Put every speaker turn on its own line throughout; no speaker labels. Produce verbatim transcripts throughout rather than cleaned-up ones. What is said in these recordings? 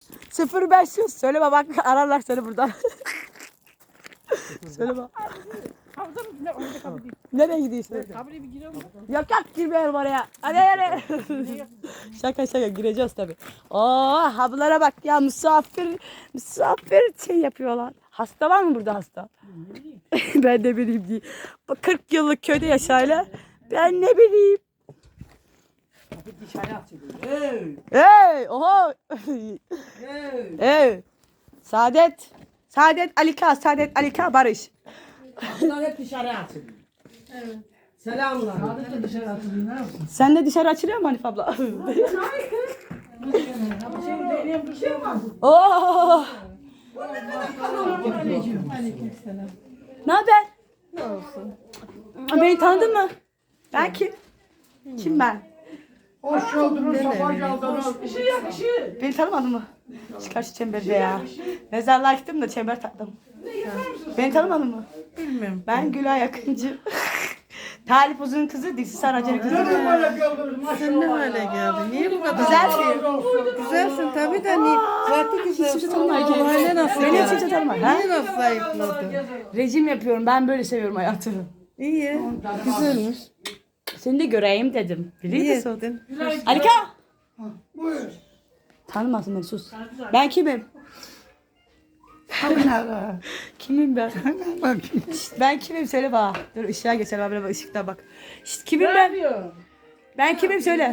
sıfır beş yüz. Söyleme bak ararlar seni buradan. Söyleme.
Havuza mı gidiyor? Orada kapı değil.
Nereye gidiyorsun?
Kapıya bir giriyor mu?
Yok yok girmeyelim oraya. Hadi hadi. Şaka şaka gireceğiz tabii. Oo hablara bak ya misafir misafir şey yapıyorlar. Hasta var mı burada hasta? Ben de bileyim diye. Bak kırk yıllık köyde yaşayla. Ben ne bileyim.
Hey!
Hey oho.
Hey!
Hey. Saadet. Saadet Alika, Saadet Alika Barış.
Bunlar hep dışarı atılıyor.
Evet.
Selamlar. Sadece dışarı atılıyor. Ne yapsın?
Sen de dışarı açılıyor mu Hanif abla?
Şey benim bir şey var.
Oo.
Aleyküm. Aleyküm selam.
Ne haber?
Ne olsun?
Beni tanıdın mı? Ben kim? Kim ben?
Hoş geldiniz, sabah geldiniz. Işığı yak, ışığı.
Beni tanımadın mı? Çıkar şu çemberde ya. Mezarlığa gittim de çember taktım. Beni tanımadın mı?
Bilmiyorum.
Ben Gülay Akıncı. Talip Uzun'un kızı, Diksi Saracı'nın kızı.
Neden böyle geldiniz
Sen ne
maşallah.
hale geldin? Niye bu kadar?
Güzel ki.
Güzelsin tabii de niye? Zaten güzelsin.
Kimse tanımıyor.
Bu hale nasıl
Beni
geldin?
kimse tanımıyor. Ha?
Niye nasıl zayıfladın?
Rejim yapıyorum. Ben böyle seviyorum hayatı.
İyi. Güzelmiş.
Seni de göreyim dedim. Biliyor
İyi
musun?
ettin.
Alika!
Buyur.
Tanımasın beni sus. Ben kimim? Kimim ben? Şşt, ben kimim söyle bana. Dur ışığa geçelim abi bak ışıkta bak. Şşt, kimim ben? Ben kimim söyle.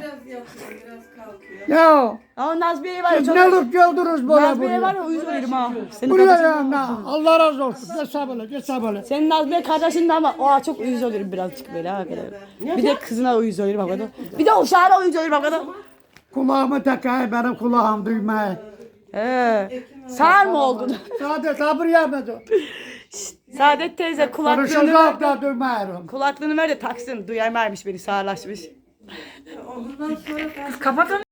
Ya,
Ama Nazmiye var ya
siz
çok...
ne alıp geldiniz böyle
Nazmiye var
buraya?
ya uyuz olurum ha. Senin
Buraya
kardeşin...
ya, na, Allah razı olsun. Geç sabırla, geç sabırla.
Senin Nazmiye kardeşin de ama o çok uyuz olurum birazcık böyle ha. Böyle. Bir de kızına uyuz olurum o kadar. Bir de uşağına uyuz olurum o kadar.
Kulağımı takay, benim kulağım duymaya.
He. Sağır mı oldun?
Sadece sabır yapmadı.
Saadet teyze kulaklığını
Konuşacak
ver.
da duymuyorum.
Kulaklığını ver de taksın. Duyamaymış beni sağırlaşmış.
Ondan sonra
Kapat onu.